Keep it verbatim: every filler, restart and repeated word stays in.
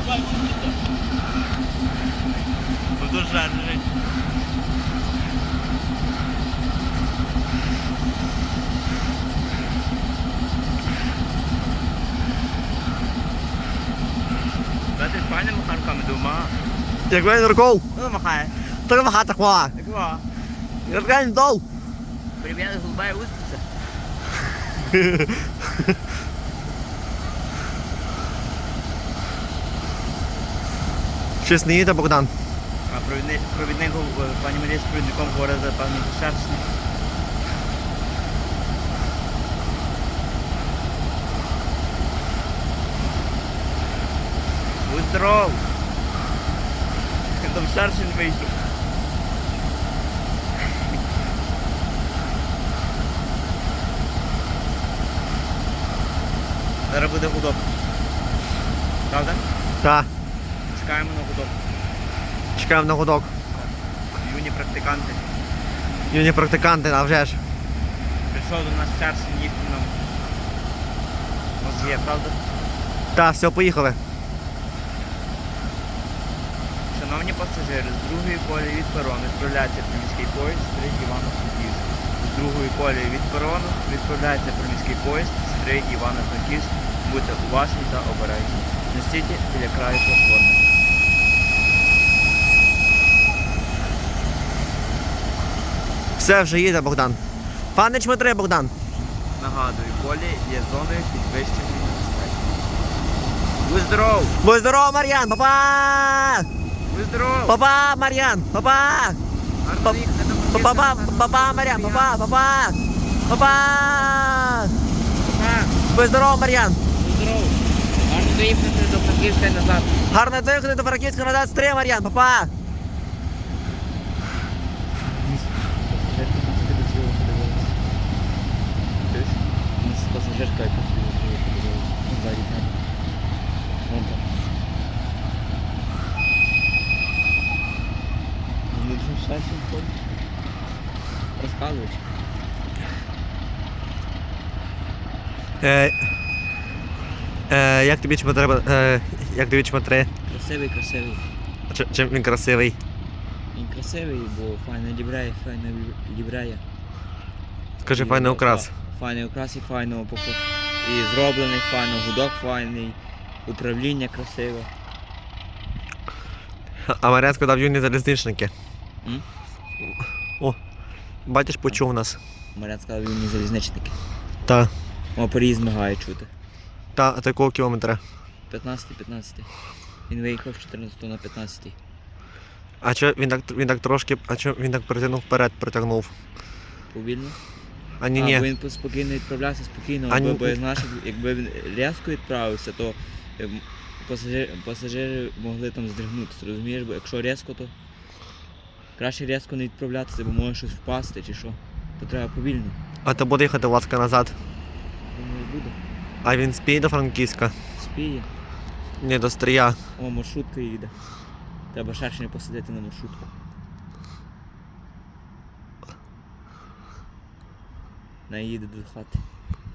Буду жаржить. Знаєте, з файними махарками дома. Як він руков, Ну, махає. так махати хва. Такого. Як він дов. Привіт, голубая устрица. Щось не їде, Богдан. А провідник, провідник, гов- пані Марія з провідником говорить за певний шершень. Будь здоров! Там шершень вийшов. Зараз буде гудок. Правда? Так, Чекаємо на гудок. чекаємо на гудок. Юні практиканти. Юні практиканти, а вже ж. Прийшов до нас шершень їсти нам. Мозги, правда? Так, все, поїхали. Шановні пасажири, з другої колії від перону відправляється приміський поїзд Стрий Івано-Франківськ. З другої колії від перону відправляється приміський поїзд Стрий Івано-Франківськ. Будьте уважні та обережні. Не стійте біля краю платформи. Все, вже їде, Богдан. Пане Чмитри, Богдан. Нагадую, колії є зоною підвищеної небезпеки. Будь здоров! Будь здоров, Мар'ян, папа! Будь здоров! Папа, Мар'ян, папа! Гарно їхати до Папа, Франківська. папа, Мар'ян, папа, папа! Папа! Папа! Будь здоров, Мар'ян! Будь здоров! Гарно доїхати до Франківська і назад. Гарно доїхати до Франківська назад, стрій, Мар'ян, папа! Пасажирка якась подивилася. Ззаді тебе. Вон там. Ну що, шашень ходить? Розказуєш? Е, е, як тобі Чмитри, е, як тобі Чмитри? Красивий, красивий. Чи- Чим він красивий? Він красивий, бо файно лібрає, файно лібрає. Скажи, файний украс. Файний окрас і файно пофу. І зроблений файно, гудок файний, управління красиве. А Мар'ян сказав юні залізничники. М? О, бачиш, почув нас. Марян сказав, він не залізничники. Та, О, Паріз мигає чути. та, а такого кілометра. п'ятнадцятий п'ятнадцятий. Він виїхав з чотирнадцятого на п'ятнадцятий. А чо він так, він так трошки, а чо він так притягнув вперед, притягнув? Повільно. А ні, А, бо ні. він спокійно відправлявся, спокійно, А бо, ні- бо знаєш, якби він різко відправився, то ем, пасажир, пасажири могли там здригнутися, розумієш? Бо якщо різко, то краще різко не відправлятися, бо може щось впасти чи що. То треба повільно. А то буде їхати ласка назад. Думаю, буде. А він спіє до Франківська. Спіє. Ні, до Стрия. О, маршрутка їде. Треба шершня посадити на маршрутку. Вона їде до хати.